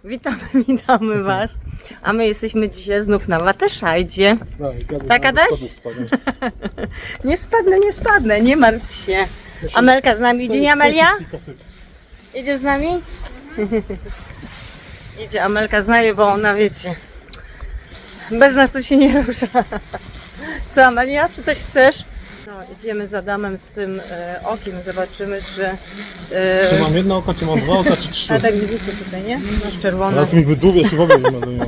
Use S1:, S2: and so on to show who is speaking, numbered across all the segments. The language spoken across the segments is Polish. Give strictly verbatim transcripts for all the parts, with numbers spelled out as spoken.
S1: Witamy, witamy Was. A my jesteśmy dzisiaj znów na Waterscheidzie. Tak, Adaś? Nie spadnę, nie spadnę, nie martw się. Amelka z nami idzie, nie Amelia? Idziesz z nami? Idzie Amelka z nami, bo ona, wiecie, bez nas to się nie rusza. Co, Amelia? Czy coś chcesz? No, idziemy za Adamem z tym e, okiem, zobaczymy, czy... E,
S2: Czy mam jedno oko, czy mam dwa oka, czy trzy?
S1: a tak widzicie tutaj, nie? Masz czerwone.
S2: Teraz mi wydłubię się w ogóle nie będę miał.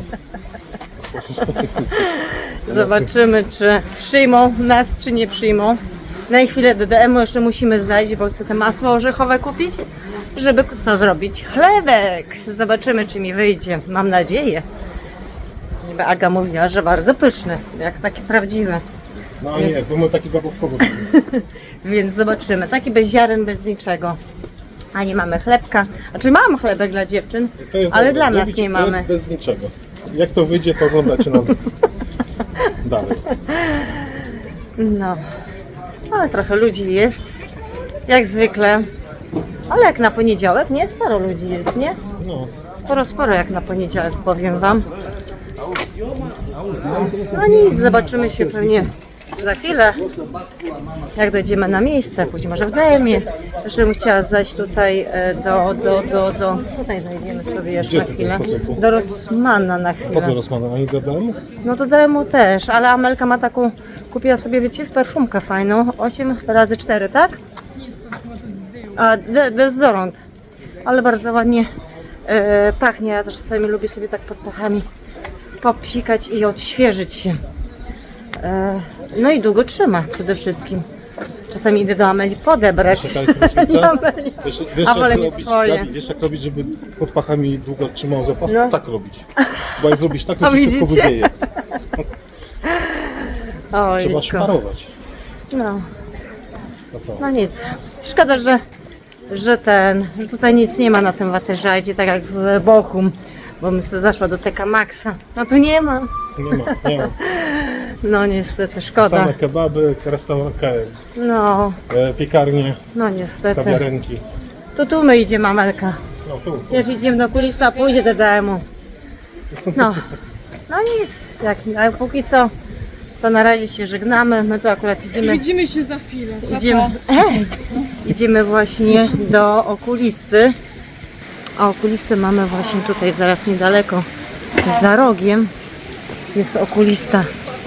S1: Zobaczymy, czy przyjmą nas, czy nie przyjmą. Na chwilę do D M-u jeszcze musimy zajść, bo chcę te masło orzechowe kupić, żeby co zrobić? Chlebek! Zobaczymy, czy mi wyjdzie. Mam nadzieję. Niby Aga mówiła, że bardzo pyszny, jak takie prawdziwe.
S2: No a nie,
S1: Jest.
S2: to my taki zabawkowy.
S1: Więc zobaczymy. Taki bez ziaren, bez niczego. A nie mamy chlebka. Znaczy mam chlebek dla dziewczyn,
S2: To jest
S1: ale
S2: dobre.
S1: dla nas
S2: Zrobić
S1: nie
S2: chleb
S1: mamy.
S2: bez niczego. Jak to wyjdzie, to oglądacie nas dalej.
S1: No, ale trochę ludzi jest, jak zwykle. Ale jak na poniedziałek, nie? Sporo ludzi jest, nie?
S2: No.
S1: Sporo, sporo jak na poniedziałek, powiem Wam. No nic, zobaczymy się pewnie za chwilę, jak dojdziemy na miejsce, później może w D M-ie. Jeszcze bym chciała zajść tutaj e, do, do, do, do... Tutaj zajdziemy sobie jeszcze
S2: Gdzie
S1: na
S2: tutaj?
S1: chwilę.
S2: Po co tu?
S1: Do Rossmana na
S2: Po co
S1: chwilę.
S2: rozmawiam? Ani do domu?
S1: No do D M-u też, ale Amelka ma taką, kupiła sobie, wiecie, perfumkę fajną, osiem razy cztery, tak? A, de- dezodorant, ale bardzo ładnie e, pachnie, ja też czasami lubię sobie tak pod pachami popsikać i odświeżyć się. E, no i długo trzyma przede wszystkim. Czasami idę do Ameli podebrać.
S2: Czekaj, słyszycie?
S1: Nie, Ameli.
S2: Wiesz, wiesz,
S1: A
S2: jak
S1: wolę mieć
S2: robić,
S1: swoje.
S2: Gabi, wiesz jak robić, żeby pod pachami długo trzymał zapach?
S1: No.
S2: Tak robić. Bo jak zrobisz tak,
S1: A
S2: to ci wszystko
S1: widzicie?
S2: wywieje.
S1: Oj,
S2: Trzeba szparować.
S1: no.
S2: A co?
S1: No nic. Szkoda, że, że ten, że tutaj nic nie ma na tym Waterscheidzie, tak jak w Bochum, bo bym sobie zaszła do T K Maxa. No tu nie ma.
S2: Nie ma, nie ma.
S1: No niestety, szkoda.
S2: Same kebaby, restauranty,
S1: No,
S2: e, piekarnie,
S1: no niestety.
S2: kawiarenki.
S1: To tu my idziemy, Amelka.
S2: No tu.
S1: Już idziemy do kulista, a pójdzie do D M-u. No, no nic. Jak, a póki co, to na razie się żegnamy. My tu akurat idziemy.
S3: Widzimy się za chwilę. Pa,
S1: Idziemy,
S3: pa.
S1: ej, idziemy właśnie do okulisty. A okulisty mamy właśnie tutaj zaraz niedaleko, za rogiem jest okulista.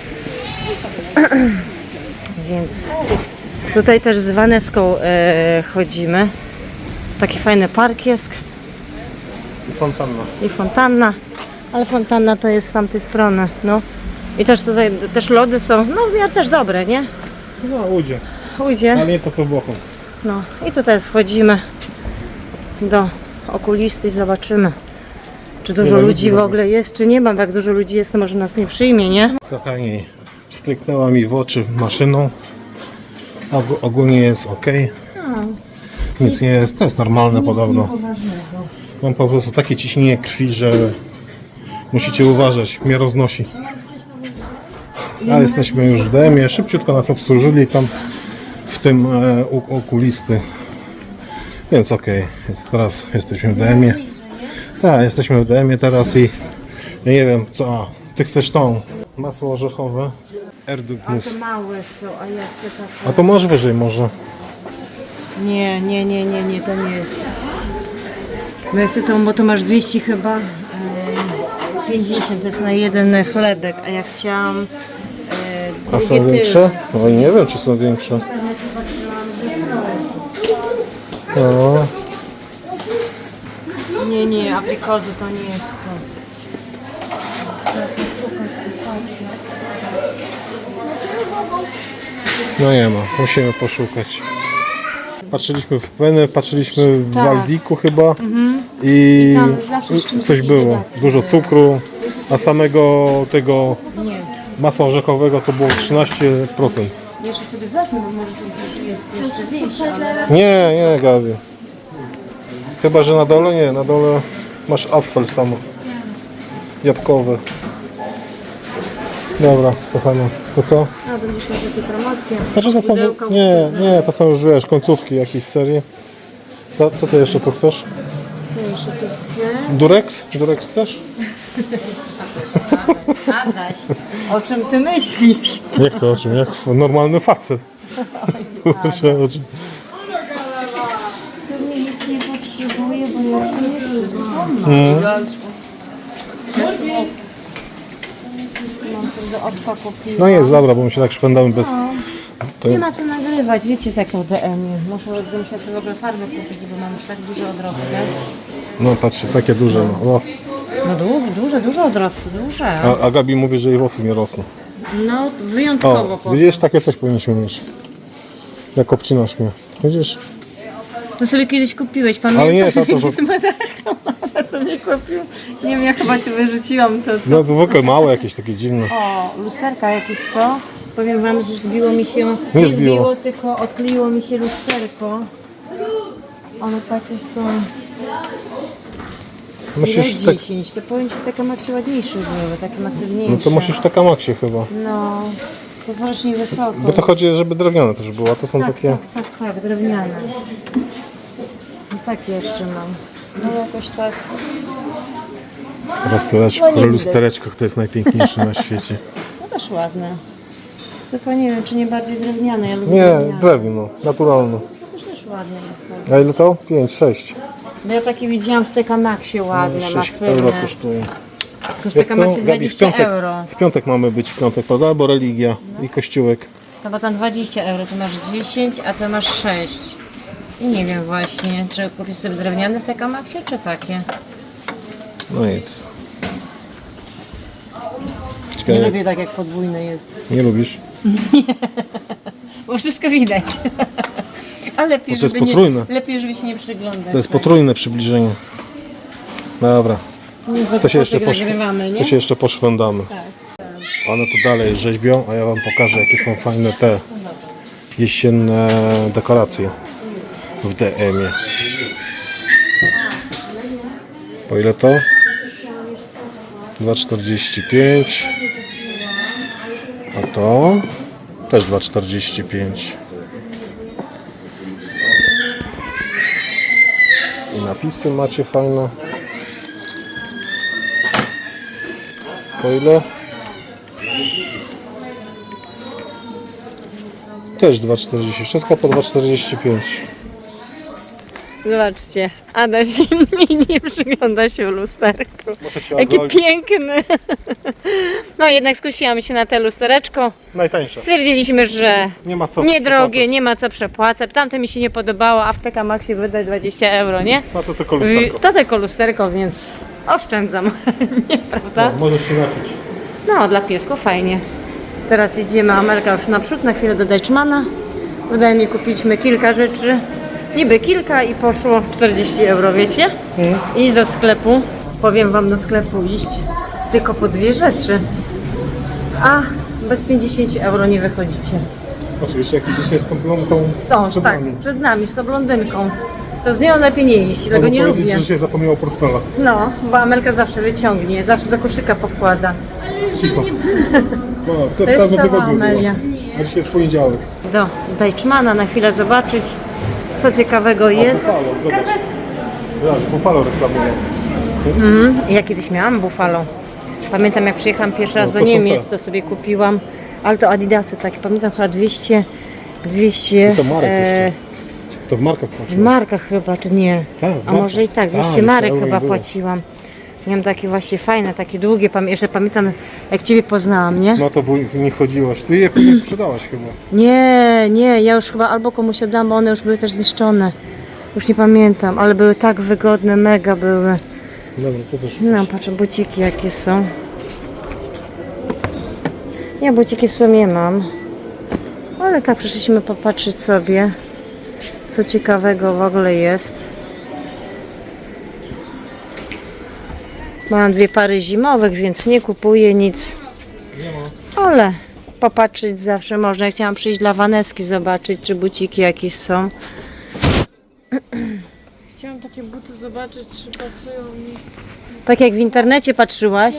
S1: Więc tutaj też z Vaneską e, chodzimy. Taki fajny park jest
S2: I fontanna.
S1: i fontanna, ale fontanna to jest z tamtej strony. No. I też tutaj też lody są, no w miarę też dobre, nie?
S2: No ujdzie,
S1: Ujdzie.
S2: ale nie to co w Bochum.
S1: No i tutaj wchodzimy do okulisty i zobaczymy, czy dużo
S2: Ile
S1: ludzi
S2: ludzi
S1: w
S2: w
S1: ogóle jest, czy nie ma. Bo jak dużo ludzi jest, to może nas nie przyjmie, nie?
S2: Kochani, stryknęła mi w oczy maszyną. Og- ogólnie jest ok. Nic nie jest, to jest normalne podobno. Mam po prostu takie ciśnienie krwi, że musicie uważać, mnie roznosi. A jesteśmy już w D M-ie, szybciutko nas obsłużyli tam w tym e, u- okulisty. Więc ok, jest, teraz jesteśmy w D M-ie. Tak, jesteśmy w D M-ie teraz i ja nie wiem co. A, ty chcesz tą masło orzechowe? Erdutmus.
S1: małe są, a ja chcę tak.
S2: A to masz wyżej może.
S1: Nie, nie, nie, nie, nie, to nie jest. Bo ja chcę tą, bo to masz dwieście chyba. e, pięćdziesiąt to jest na jeden chlebek, a ja chciałam. E,
S2: A są
S1: drugie
S2: większe? No i nie wiem czy są większe. No.
S1: tył. Nie, nie, aprikozy to nie jest to.
S2: No nie ma, musimy poszukać. Patrzyliśmy w Penę, patrzyliśmy w
S1: Tak.
S2: Waldiku chyba i
S1: Tam zawsze z czymś
S2: coś było.
S1: dodatkiem.
S2: Dużo cukru, a samego tego
S1: Nie.
S2: masła orzechowego to było trzynaście procent.
S1: Jeszcze sobie zacznę, bo może tu gdzieś jest jeszcze większe, ale...
S2: Nie, nie Gabi. Chyba, że na dole nie, na dole masz apfel samo. Jabłkowe. Dobra, kochana, to co?
S1: A, będziesz miał takie promocje.
S2: Znaczy to są,
S1: Pudełka,
S2: nie,
S1: pudełka.
S2: nie, to są już wiesz, końcówki jakiejś serii. To, co ty jeszcze tu chcesz?
S1: Co jeszcze tu chcę?
S2: Durex? Durex chcesz?
S1: Adaś, o czym ty myślisz?
S2: Jak to o czym? Jak normalny facet. Kurczę, o czym?
S1: W sumie nic nie potrzebuję, bo ja to nie przyznam.
S2: Mm.
S1: Mam to do oczka kupiłam.
S2: No jest, dobra, bo my się tak szwendamy bez... To...
S1: Nie ma co nagrywać, wiecie tak o D M-ie. Muszę bym się sobie w ogóle farby kupić, bo mam już tak duże odrosty.
S2: No patrzcie, takie duże. No. O.
S1: No du- duże, duże odrosty, duże.
S2: A, a Gabi mówi, że jej włosy nie rosną.
S1: No wyjątkowo
S2: O,
S1: po.
S2: widzisz, takie coś powinniśmy mieć. Jak obcinasz mnie. Widzisz?
S1: To sobie kiedyś kupiłeś, pamiętasz?
S2: Ale nie, to- to-
S1: Z Madachą sobie kupił. Nie wiem, ja chyba cię wyrzuciłam to co.
S2: No to w ogóle małe jakieś takie dziwne.
S1: O, lusterka jakieś co? Powiem wam, że zbiło mi się,
S2: Nie
S1: nie
S2: zbiło.
S1: zbiło, tylko odkleiło mi się lusterko. One takie są
S2: Musisz
S1: ile
S2: tak...
S1: dziesięć, to powiem ci takie macie ładniejsze były, takie masywniejsze.
S2: No to musisz w Takamaksie chyba.
S1: No, to strasznie wysoko.
S2: Bo to chodzi, żeby drewniane też było, a to są
S1: tak,
S2: takie...
S1: tak, tak, tak, drewniane. No tak jeszcze mam. No jakoś tak.
S2: Lustereczko,
S1: No nie widać.
S2: lustereczko to jest najpiękniejsze na świecie.
S1: No też ładne. Tylko nie wiem, czy nie bardziej drewniane. Ja lubię
S2: Nie,
S1: drewniane.
S2: drewno, naturalne.
S1: To też, też ładne jest bardzo.
S2: A ile to? pięć, sześć.
S1: No ja takie widziałam w Tekamaksie ładne,
S2: sześć
S1: masywne.
S2: euro kosztuje.
S1: Tu w
S2: Wiesz co,
S1: Tekamaksie
S2: Gabi, w
S1: dwadzieścia
S2: piątek,
S1: euro.
S2: w piątek mamy być, w piątek, prawda? Bo religia i kościółek.
S1: To bo tam dwadzieścia euro, tu masz dziesięć, a tu masz sześć. I nie wiem właśnie, czy kupić sobie drewniane w Tekamaksie, czy takie?
S2: No nic.
S1: Nie
S2: Czekaj,
S1: lubię tak, jak podwójne jest.
S2: nie lubisz?
S1: Bo wszystko widać. A lepiej,
S2: Bo to jest
S1: żeby
S2: potrójne.
S1: nie, lepiej, żeby się nie przyglądać.
S2: To jest potrójne przybliżenie. Dobra, to się jeszcze, poszw...
S1: nagrywamy, nie?
S2: to się jeszcze poszwędamy. One tu dalej rzeźbią, a ja wam pokażę, jakie są fajne te jesienne dekoracje w D M-ie. Po ile to? dwa czterdzieści pięć. A to też dwa czterdzieści pięć. I napisy macie fajne. Po ile? Też dwa czterdzieści. Wszystko po dwa czterdzieści pięć.
S1: Zobaczcie, Adaś mi nie przygląda się w lusterku.
S2: Muszę się
S1: Jakie
S2: odwalić.
S1: piękne. No jednak skusiłam się na te lustereczko.
S2: Najtańsze.
S1: Stwierdziliśmy, że
S2: Nie ma co
S1: niedrogie,
S2: przepłacać.
S1: nie ma co przepłacać. Tamte mi się nie podobało, a w Tekamaksie wydać dwadzieścia euro, nie?
S2: No to tylko lusterko.
S1: To tylko lusterko, więc oszczędzam. Nie, prawda?
S2: No, możesz się napić.
S1: No, dla piesków fajnie. Teraz idziemy, Amelka już naprzód, na chwilę do Deichmana. Wydaje mi, kupiliśmy kilka rzeczy. Niby kilka i poszło czterdzieści euro, wiecie?
S2: Mm.
S1: Iść do sklepu. Powiem wam, do sklepu iść tylko po dwie rzeczy. A bez pięćdziesiąt euro nie wychodzicie.
S2: Oczywiście, jak idziecie z tą blondą
S1: No,
S2: przed
S1: tak,
S2: nami.
S1: przed nami, z tą blondynką. To z nią lepiej nie iść, tego
S2: Mogę
S1: nie
S2: powiedzieć,
S1: lubię.
S2: że się zapomniało portfela.
S1: No, bo Amelka zawsze wyciągnie, zawsze do koszyka powkłada.
S2: Cicho. No, to w
S1: jest
S2: każdym
S1: cała
S2: tygodniu było.
S1: Amelia.
S2: A dzisiaj jest poniedziałek.
S1: Do Deichmana na chwilę zobaczyć, co ciekawego jest.
S2: Buffalo, zobacz. Zobacz, Buffalo reklamują.
S1: Ja kiedyś miałam Buffalo. Pamiętam, jak przyjechałam pierwszy raz
S2: No,
S1: do
S2: to są
S1: Niemiec,
S2: te.
S1: to sobie kupiłam. Ale to Adidasy takie, pamiętam chyba dwieście, dwieście
S2: To marek
S1: e,
S2: jeszcze. To w markach
S1: w
S2: płaciłeś.
S1: markach chyba, czy nie?
S2: Tak, w
S1: A
S2: markach.
S1: może i tak,
S2: A,
S1: dwieście
S2: jeszcze
S1: marek
S2: euro
S1: chyba
S2: nie było.
S1: płaciłam. Miałam takie właśnie fajne, takie długie, pam- jeszcze pamiętam, jak Ciebie poznałam, nie?
S2: No to w nie chodziłaś. Ty je później sprzedałaś chyba.
S1: Nie, nie, ja już chyba albo komuś oddałam, bo one już były też zniszczone. Już nie pamiętam, ale były tak wygodne, mega były.
S2: Dobra, co też?
S1: No, patrzę, buciki jakie są. Ja buciki w sumie mam. Ale tak, przyszliśmy popatrzeć sobie, co ciekawego w ogóle jest. Mam dwie pary zimowych, więc nie kupuję nic. Ale popatrzeć zawsze można. Ja chciałam przyjść dla Waneski, zobaczyć, czy buciki jakieś są. Chciałam takie buty zobaczyć, czy pasują mi. Tak jak w internecie patrzyłaś?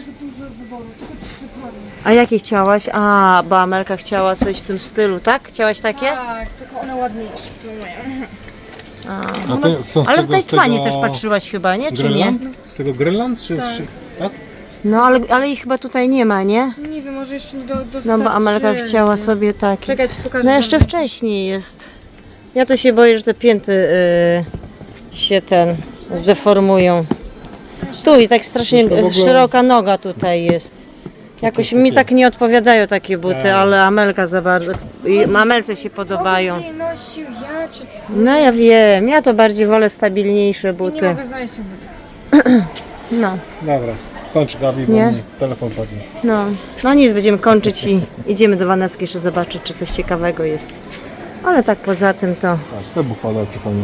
S1: A jakie chciałaś? A, bo Amelka chciała coś w tym stylu, tak? Chciałaś takie?
S3: Tak, tylko one ładniejsze są moje.
S2: A to są z
S1: Ale w
S2: tego, z
S1: Tajwanie
S2: tego
S1: też patrzyłaś chyba, nie? Czy nie?
S2: Grenland? Z tego Grenland? Czy tak. Z... tak?
S1: No ale, ale ich chyba tutaj nie ma, nie?
S3: Nie wiem, może jeszcze nie do,
S1: No
S3: dostarczyli.
S1: bo Amelka chciała sobie takie.
S3: Czekaj, ci pokażę.
S1: No jeszcze wcześniej jest. Ja to się boję, że te pięty y, się ten zdeformują. Tu i tak strasznie
S2: Wiesz, to w ogóle-
S1: szeroka noga tutaj jest. Jakoś mi tak nie odpowiadają takie buty, ale Amelka za bardzo. i Amelce się podobają.
S3: Nie nosił ja, czy ty?
S1: No ja wiem, ja to bardziej wolę stabilniejsze
S3: Nie
S1: buty.
S3: mogę znaleźć tych butów.
S1: No,
S2: Dobra, kończ Gabi, bo
S1: Nie?
S2: mi telefon padnie.
S1: no. No nic, będziemy kończyć i idziemy do Waneski jeszcze zobaczyć, czy coś ciekawego jest. Ale tak poza tym to.
S2: Patrz, te bufale jakie fajne.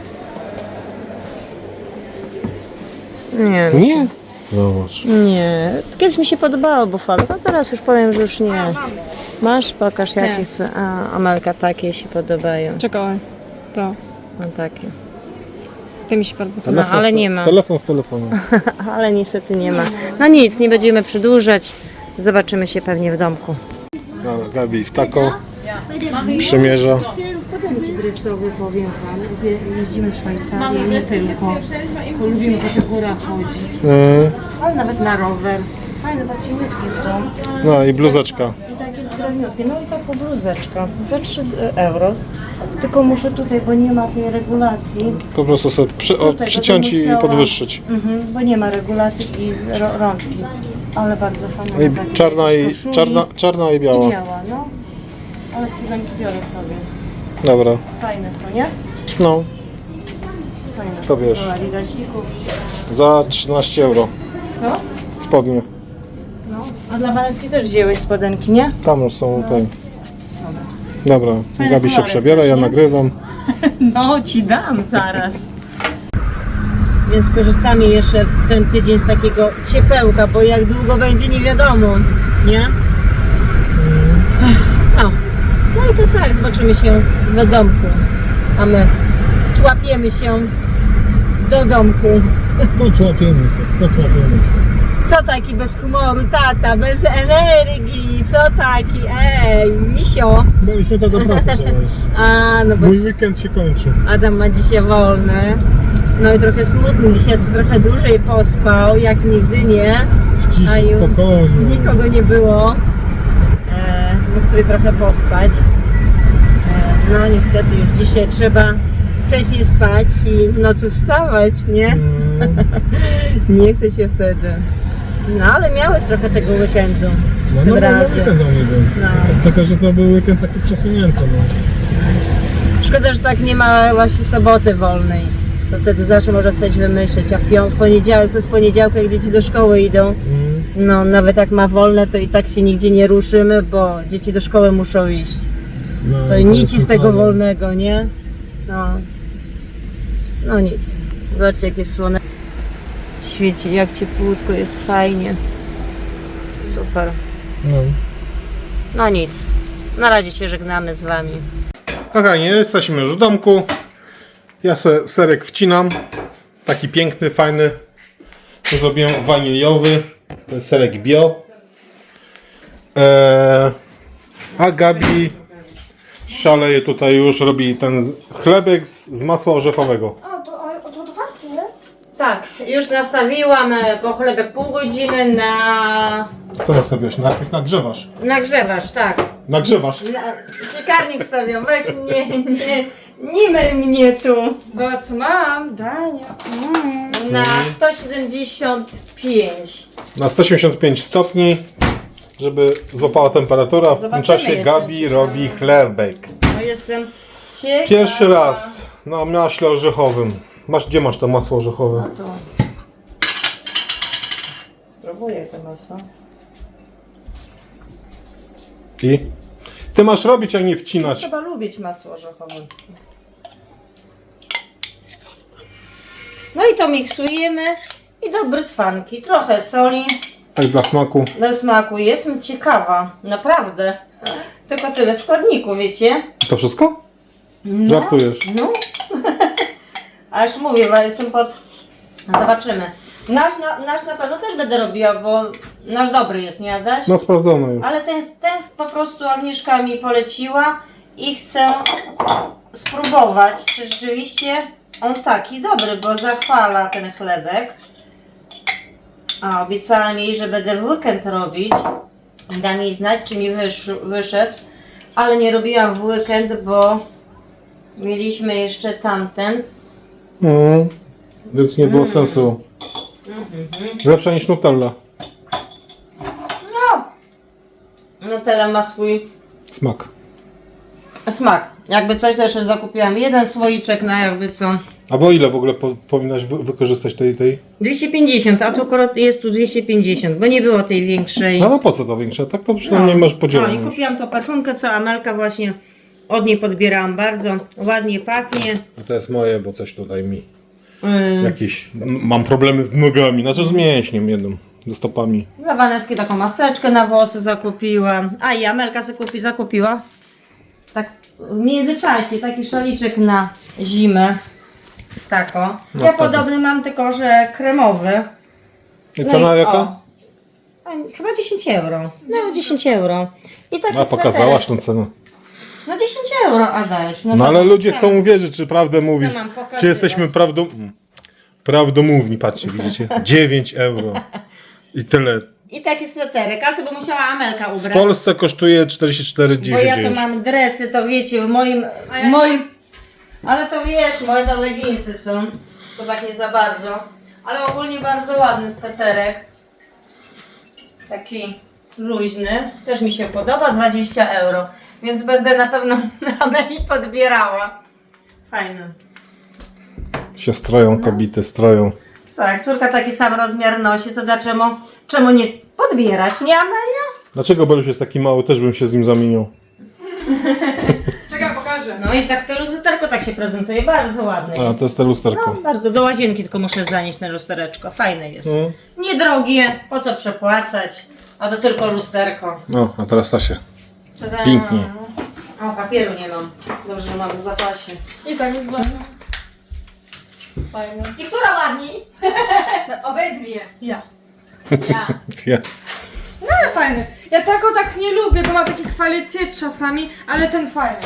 S1: Nie,
S2: Nie? Zobacz.
S1: nie. Kiedyś mi się podobało bufalo, a teraz już powiem, że już nie. Masz? Pokaż jakie
S3: Nie.
S1: chcę. A, Amelka, takie się podobają.
S3: Czekaj. To.
S1: No takie.
S3: To mi się bardzo podoba.
S1: No,
S2: Telefon
S1: ale
S2: w te-
S1: nie ma.
S2: Telefon w telefonie.
S1: Ale niestety nie ma. No nic, nie będziemy przedłużać. Zobaczymy się pewnie w domku.
S2: Dobra, Gabi w tako przymierza.
S1: Spodenki dressowe, powiem Wam. Jeździmy w Szwajcarię, nie tylko. Bo lubimy po tych górach chodzić.
S2: Mm,
S1: Ale nawet na rower. Fajne, bo cieniutkie są.
S2: no i bluzeczka.
S1: I takie zbrojniutkie. No i taką bluzeczka. Za trzy euro. Tylko muszę tutaj, bo nie ma tej regulacji.
S2: Po prostu sobie przy, o,
S1: Tutaj,
S2: przyciąć
S1: bo to
S2: i
S1: musiała-
S2: podwyższyć.
S1: Mhm, bo nie ma regulacji i ro, rączki. Ale bardzo fajne.
S2: No i
S1: takie
S2: czarna i,
S1: koszuli.
S2: czarna, czarna i
S1: I
S2: biała.
S1: biała, no. Ale spodenki biorę sobie.
S2: Dobra,
S1: Fajne są, nie?
S2: no,
S1: Fajne.
S2: To wiesz.
S1: Dobra, Adidasików.
S2: za trzynaście euro
S1: Co?
S2: spodnie.
S1: No. A dla Waneski też wzięłeś spodenki, nie?
S2: Tam są te. Dobra,
S1: Fajne
S2: Gabi się
S1: kolory
S2: przebiera,
S1: też,
S2: ja
S1: nie?
S2: nagrywam.
S1: No, ci dam zaraz. Więc korzystamy jeszcze w ten tydzień z takiego ciepełka, bo jak długo będzie nie wiadomo, nie? No, no i to tak, zobaczymy się w domku. A my człapiemy się do domku.
S2: Poczłapiemy się, poczłapiemy się.
S1: Co taki bez humoru, tata, bez energii, co taki, ej, misio.
S2: Bo już jutro do pracy trzeba iść.
S1: A, no bo
S2: Mój weekend się kończy.
S1: Adam ma dzisiaj wolne. No i trochę smutny, dzisiaj trochę dłużej pospał, jak nigdy nie.
S2: W
S1: A
S2: ciszy,
S1: już
S2: spokojnie.
S1: Nikogo nie było. E, mógł sobie trochę pospać. E, no niestety już dzisiaj trzeba wcześniej spać i w nocy wstawać, nie?
S2: Mm,
S1: Nie chce się wtedy. No ale miałeś trochę tego weekendu.
S2: No,
S1: tym
S2: no, no,
S1: razem.
S2: weekend u mnie był.
S1: No.
S2: Tylko, że to był weekend taki przesunięty. No.
S1: Szkoda, że tak nie ma właśnie soboty wolnej. To wtedy zawsze można coś wymyśleć, a w, pią- w poniedziałek to jest poniedziałek, jak dzieci do szkoły idą.
S2: Mm,
S1: No nawet jak ma wolne, to i tak się nigdzie nie ruszymy, bo dzieci do szkoły muszą iść.
S2: no,
S1: To i nic
S2: jest
S1: z tego
S2: super.
S1: wolnego, nie? No. No nic. Zobaczcie, jak jest słonecznie. Świeci, jak ciepłutko, jest fajnie. Super.
S2: No.
S1: No nic. Na razie się żegnamy z Wami.
S2: Kochani, jesteśmy już w domku. Ja se serek wcinam. Taki piękny, fajny. To zrobiłem waniliowy. To jest serek bio. Eee, a Gabi szaleje tutaj już, robi ten chlebek z, z masła orzechowego.
S3: A, to, a, to otwarte jest?
S1: Tak, już nastawiłam e, po chlebek pół godziny na...
S2: Co nastawiłeś? Najpierw nagrzewasz.
S1: Nagrzewasz, tak.
S2: Nagrzewasz.
S1: Na... Piekarnik stawiam, weź nie, nie, nie myl mnie tu.
S3: Zobacz co mam, Dania. Mm.
S1: Na sto siedemdziesiąt pięć.
S2: Na sto osiemdziesiąt pięć stopni, żeby złapała temperatura. W tym
S1: Zobaczymy,
S2: czasie
S1: jestem
S2: Gabi
S1: ciekawa.
S2: robi chlebek.
S1: No jestem ciekawa.
S2: Pierwszy raz na maśle orzechowym. Masz, gdzie masz to masło orzechowe?
S1: To... Spróbuję to masło.
S2: I? Ty masz robić, a nie wcinać.
S1: Trzeba lubić masło orzechowe. No i to miksujemy i do brytwanki. Trochę soli
S2: Tak dla smaku.
S1: dla smaku. Jestem ciekawa, naprawdę. Tylko tyle składników, wiecie?
S2: To wszystko?
S1: No,
S2: Żartujesz.
S1: No. Aż mówię, bo jestem pod... Zobaczymy. Nasz na, nasz na pewno też będę robiła, bo nasz dobry jest, nie Adaś?
S2: No sprawdzone już.
S1: Ale ten, ten po prostu Agnieszka mi poleciła i chcę spróbować, czy rzeczywiście on taki dobry, bo zachwala ten chlebek. A obiecałam jej, że będę w weekend robić. Da mi znać, czy mi wysz, wyszedł. Ale nie robiłam w weekend, bo mieliśmy jeszcze tamten.
S2: Mm. Więc nie było sensu. Lepsza niż Nutella.
S1: No! Nutella ma swój
S2: Smak.
S1: smak. Jakby coś też zakupiłam. Jeden słoiczek na jakby co.
S2: A bo ile w ogóle po, powinnaś wy, wykorzystać tej, tej?
S1: dwieście pięćdziesiąt, a tu akurat jest tu dwieście pięćdziesiąt, bo nie było tej większej.
S2: No, no po co to większe? Tak to przynajmniej masz
S1: No
S2: podzielone.
S1: i kupiłam tą perfumkę, co Amelka właśnie od niej podbierałam. Bardzo ładnie pachnie.
S2: A to jest moje, bo coś tutaj mi.
S1: Yy,
S2: Jakieś. m- Mam problemy z nogami, znaczy z mięśniem jednym. Ze stopami.
S1: Dla Waneski taką maseczkę na włosy zakupiłam. A i Amelka zakupi, zakupiła. Tak w międzyczasie taki szaliczek na zimę. Tako. Ja
S2: tak.
S1: podobny mam, tylko że kremowy.
S2: I
S1: No
S2: cena
S1: i-
S2: jaka?
S1: o. A, chyba dziesięć euro. No dziesięć euro. I taki
S2: A pokazałaś
S1: sweterek.
S2: tą cenę.
S1: No dziesięć euro, Adaś.
S2: No
S1: co
S2: ale
S1: mam?
S2: ludzie
S1: Co
S2: chcą
S1: mam?
S2: uwierzyć, czy prawdę mówisz.
S1: mam pokazywać?
S2: Czy jesteśmy prawdą... prawdomówni, patrzcie, widzicie? dziewięć euro. I tyle.
S1: I taki sweterek, ale to by musiała Amelka
S2: W
S1: ubrać.
S2: Polsce kosztuje czterdzieści cztery
S1: Bo
S2: dziewięćdziesiąt
S1: ja to
S2: dziewięć.
S1: mam dresy, to wiecie, w moim... W moim... Ale to wiesz, moje to leginsy są. To tak nie za bardzo. Ale ogólnie bardzo ładny sweterek. Taki luźny. Też mi się podoba, dwadzieścia euro. Więc będę na pewno na Ameli podbierała. Fajny.
S2: Się stroją, kobiety stroją.
S1: Co, jak córka taki sam rozmiar nosi, to dlaczego czemu nie podbierać, nie Amelia?
S2: Dlaczego Beluś jest taki mały? Też bym się z nim zamienił.
S3: Czekaj, pokażę.
S1: No i tak to lusterko tak się prezentuje, bardzo ładne
S2: A,
S1: jest.
S2: to jest te lusterko.
S1: No, bardzo, do łazienki tylko muszę zanieść na lustereczko, fajne jest.
S2: Mm.
S1: Niedrogie, po co przepłacać, a to tylko lusterko.
S2: No, a teraz Stasia.
S1: Tada.
S2: Pięknie.
S1: O, papieru nie mam, dobrze, że mam w zapasie.
S3: I tak wygląda. Fajne.
S1: I która ładniej? No, obydwie.
S3: Ja.
S1: Ja.
S2: Ja.
S3: No ale fajny. Ja tako tak nie lubię, bo ma taki kwalitet czasami, ale ten fajny.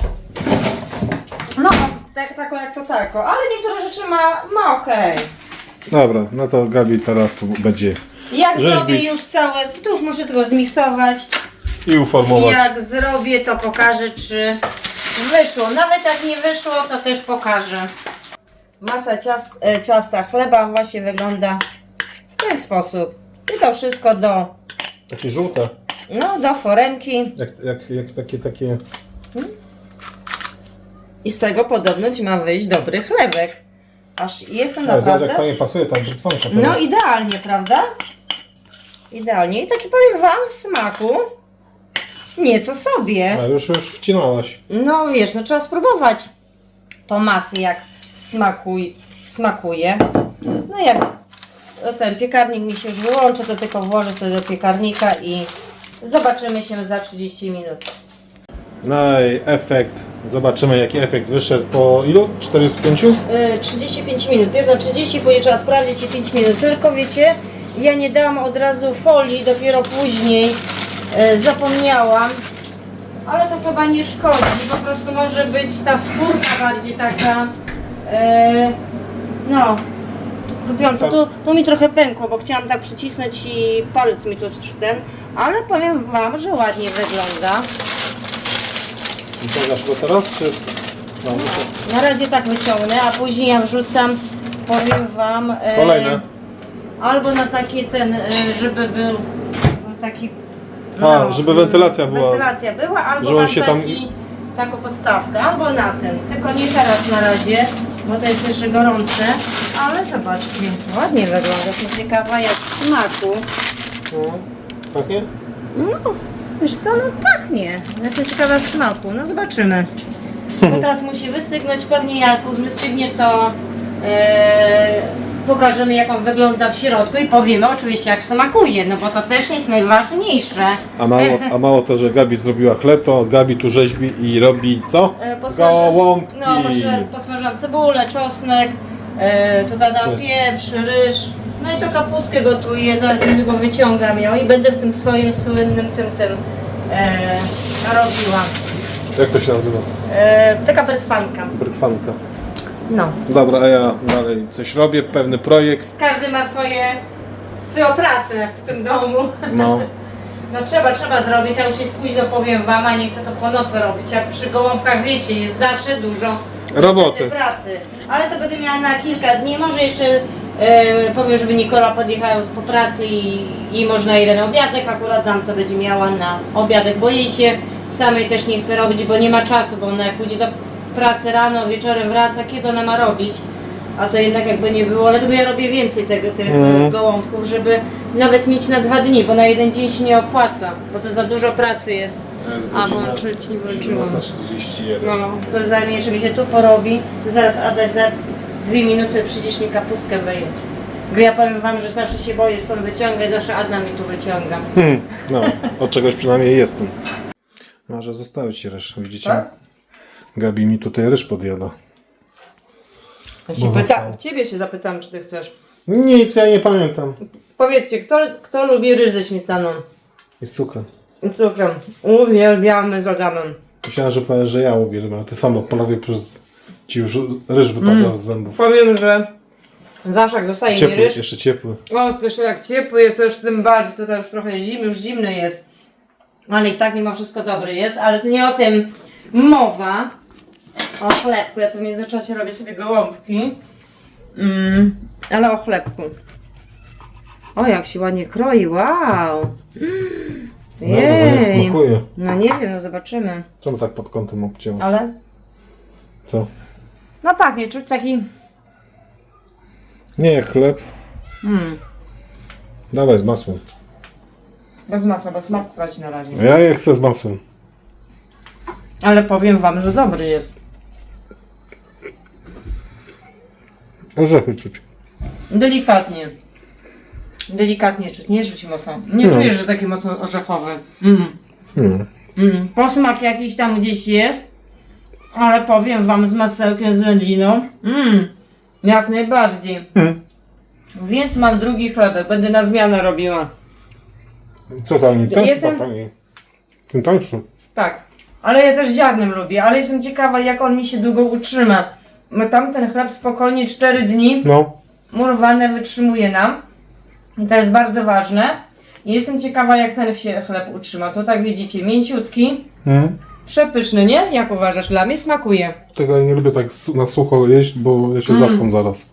S1: No, tak, tako jak to tako, ale niektóre rzeczy ma, ma okej.
S2: Dobra, no to Gabi teraz tu będzie
S1: Jak
S2: Rzeźbić.
S1: zrobię już całe, to już muszę tego zmiksować.
S2: i
S1: I
S2: uformować.
S1: jak zrobię, to pokażę, czy wyszło. Nawet jak nie wyszło, to też pokażę. Masa ciast, e, ciasta chleba właśnie wygląda w ten sposób. I to wszystko do,
S2: Takie żółte.
S1: no, do foremki.
S2: Jak, jak, jak takie, takie...
S1: I z tego podobnoć ma wyjść dobry chlebek. Aż jestem
S2: A, zobacz
S1: naprawdę...
S2: jak fajnie pasuje ta brytwanka
S1: No
S2: teraz.
S1: idealnie, prawda? Idealnie. I taki powiem wam w smaku nieco sobie.
S2: A już, już wcinałaś.
S1: No wiesz, no trzeba spróbować tą masę jak smakuj, smakuje. No jak ten piekarnik mi się już wyłączy, to tylko włożę sobie do piekarnika i zobaczymy się za trzydzieści minut.
S2: No i efekt. Zobaczymy jaki efekt wyszedł po ilu? czterdziestu pięciu?
S1: Yy, trzydzieści pięć minut, jedno trzydzieści, później trzeba sprawdzić i pięć minut. Tylko wiecie, ja nie dałam od razu folii, dopiero później yy, zapomniałam. Ale to chyba nie szkodzi, po prostu może być ta skórka bardziej taka, yy, no, chrupiąca. Tu, tu mi trochę pękło, bo chciałam tak przycisnąć i palec mi tu ten, ale powiem wam, że ładnie wygląda.
S2: Wyciągasz go teraz, czy... No, muszę...
S1: Na razie tak wyciągnę, a później ja wrzucam, powiem wam, yy,
S2: Kolejne.
S1: albo na taki ten, yy, żeby był taki,
S2: A, żeby wentylacja była.
S1: Wentylacja była, albo
S2: Że on
S1: mam
S2: się
S1: taki,
S2: tam-
S1: taką podstawkę, albo na tym. Tylko nie teraz na razie, bo to jest jeszcze gorące. Ale zobaczcie, ładnie wygląda. Jestem ciekawa jak w smaku.
S2: No. Pachnie?
S1: No, wiesz co, no pachnie. Jestem ciekawa w smaku, no zobaczymy. Bo teraz musi wystygnąć, pewnie jak już wystygnie, to e, pokażemy jak on wygląda w środku i powiemy oczywiście jak smakuje, no bo to też jest najważniejsze.
S2: A mało, a mało to, że Gabi zrobiła chleb, to Gabi tu rzeźbi i robi co?
S1: E, podsmaży-
S2: Gołąbki.
S1: No, podsmaży- podsmażyłam cebulę, czosnek, e, tutaj dam
S2: Jest.
S1: pieprz, ryż, no i to kapustkę gotuję, zaraz go wyciągam ją i będę w tym swoim słynnym tym tym e, robiła.
S2: Jak to się nazywa?
S1: E, taka brytwanka.
S2: Brytwanka.
S1: No.
S2: Dobra, a ja dalej coś robię, pewny projekt.
S1: Każdy ma swoje, swoją pracę w tym domu.
S2: No.
S1: No trzeba, trzeba zrobić, a już jest późno, powiem wam, a nie chcę to po nocy robić. Jak przy gołąbkach wiecie, jest zawsze dużo
S2: Roboty.
S1: pracy. Ale to będę miała na kilka dni, może jeszcze e, powiem, żeby Nikola podjechała po pracy i, i można jeden obiadek, akurat nam to będzie miała na obiadek, bo jej się samej też nie chce robić, bo nie ma czasu, bo ona jak pójdzie do pracy rano, wieczorem wraca, kiedy ona ma robić? A to jednak jakby nie było, ale to ja robię więcej tego, tych
S2: Mhm.
S1: gołąbków, żeby nawet mieć na dwa dni, bo na jeden dzień się nie opłaca, bo to za dużo pracy jest. A włączyć nie włączyłam.
S2: siedemnasta czterdzieści jeden.
S1: No, to zajmie, żeby się tu porobi. Zaraz Adaś za dwie minuty przyjdziesz mi kapustkę wyjąć. Bo ja powiem wam, że zawsze się boję stąd wyciągać, zawsze Ada mi tu wyciąga.
S2: Hmm, no, od czegoś przynajmniej jestem. Może zostawić ci ryż, widzicie?
S3: Tak?
S2: Gabi mi tutaj ryż podjada.
S3: Ja
S2: Bo
S3: się pyta,
S2: został.
S3: ciebie się zapytam, czy ty chcesz.
S2: Nic, ja nie pamiętam.
S3: Powiedzcie, kto, kto lubi ryż ze śmietaną
S2: I z cukrem.
S3: i cukrem? Uwielbiamy z Adamem.
S2: Myślałem, że powiesz, że ja uwielbiam, a ty sama polowie przez ci już ryż wypada
S3: Mm.
S2: z zębów.
S3: Powiem, że zawsze jak zostaje mi
S2: Ciepły,
S3: ryż,
S2: jeszcze ciepły.
S3: o, jeszcze jak ciepły jest, to już tym bardziej, tutaj już trochę zimny, już zimny jest. Ale i tak mimo wszystko dobry jest, ale to nie o tym mowa. O chlebku, ja tu w międzyczasie robię sobie gołąbki. Mm, ale o chlebku. O, jak się ładnie kroi, wow! Mm,
S2: No, bo jak
S3: jej.
S2: smakuje.
S3: No nie wiem, no zobaczymy.
S2: Czemu tak pod kątem obcięłaś?
S3: Ale,
S2: Co?
S3: no pachnie, czuć taki...
S2: Nie jak chleb.
S3: Mm,
S2: Dawaj z masłem.
S3: bez masła, bo smak straci na razie.
S2: Ja je chcę z masłem.
S3: Ale powiem wam, że dobry jest.
S2: Orzechy czuć.
S3: Delikatnie. Delikatnie czuć, nie czuć mocno. Nie
S2: No.
S3: czujesz, że taki mocno orzechowy. Mm.
S2: Hmm.
S3: Mm. Posmak jakiś tam gdzieś jest, ale powiem wam z masełkiem, z wędliną. Mm. Jak najbardziej.
S2: Hmm.
S3: Więc mam drugi chlebek, będę na zmianę robiła.
S2: Co taniej? Ten
S3: Jestem-
S2: chyba taniej. Ten tańszy.
S3: Tak, ale ja też ziarnem lubię, ale jestem ciekawa, jak on mi się długo utrzyma. Bo tamten chleb spokojnie cztery dni
S2: No.
S3: murowane wytrzymuje nam. I to jest bardzo ważne. I jestem ciekawa, jak ten się chleb utrzyma. To tak widzicie, mięciutki,
S2: Hmm.
S3: przepyszny, nie? Jak uważasz? Dla mnie smakuje.
S2: Tego ja nie lubię tak su- na sucho jeść, bo ja się
S3: Mm.
S2: zapcham zaraz.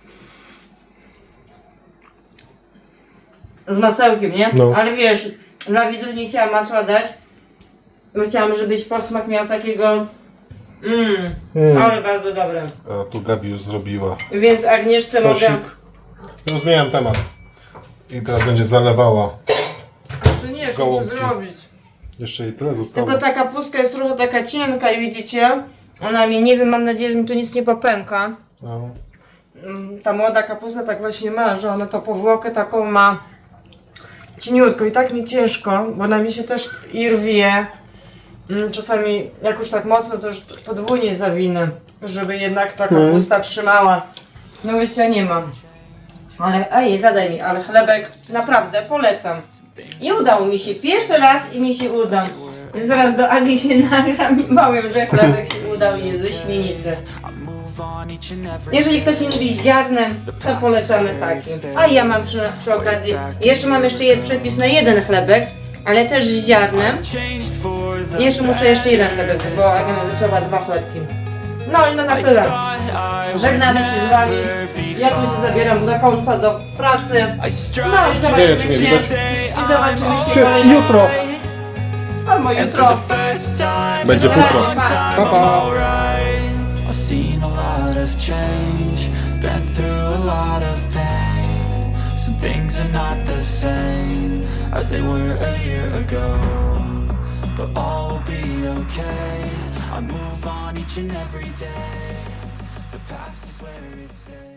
S3: Z masełkiem, nie?
S2: No.
S3: Ale wiesz, dla widzów nie chciałam masła dać. Bo chciałam, żebyś posmak miał takiego... Mmm,
S2: Mm.
S3: ale bardzo dobre.
S2: A tu Gabi już zrobiła
S3: Więc Agnieszce
S2: sosik.
S3: mogę...
S2: Już zmieniam temat. I teraz będzie zalewała.
S3: Czy nie, jeszcze muszę
S2: Gołąbki.
S3: zrobić.
S2: Jeszcze jej tyle zostało.
S3: Tylko ta kapustka jest trochę taka cienka i widzicie? Ona mi, nie wiem, mam nadzieję, że mi tu nic nie popęka.
S2: No.
S3: Mm, Ta młoda kapusta tak właśnie ma, że ona to powłokę taką ma cieniutko i tak mi ciężko, bo ona mi się też i rwie. Mm, Czasami jak już tak mocno, to już podwójnie zawinę, żeby jednak ta kapusta trzymała. No wyjścia nie mam. Ale ej, zadaj mi, ale chlebek naprawdę polecam. I udało mi się pierwszy raz i mi się uda. Więc zaraz do Agi się nagram i powiem, że chlebek się udał i jest wyśmienity. Jeżeli ktoś nie lubi z ziarnem, to polecamy taki. A ja mam przy, przy okazji, jeszcze mam jeszcze jeden przepis na jeden chlebek, ale też z ziarnem. Jeszcze muszę jeszcze jeden chlebek, bo Aga mi wysłała dwa chlebki. No i no na tyle. Żegnamy się z wami. Ja tu się zabieram do końca do pracy. No i zobaczymy
S2: Wiesz, nie
S3: się.
S2: widać.
S3: I zobaczymy się
S2: Się
S3: kolejnego-
S2: jutro.
S3: Albo jutro.
S2: Będzie futro. Pa, pa.
S4: I've seen a lot of change, been through a lot of pain. Some things are not the same as they were a year ago, but all will be okay. I move on each and every day. The past is where it stays.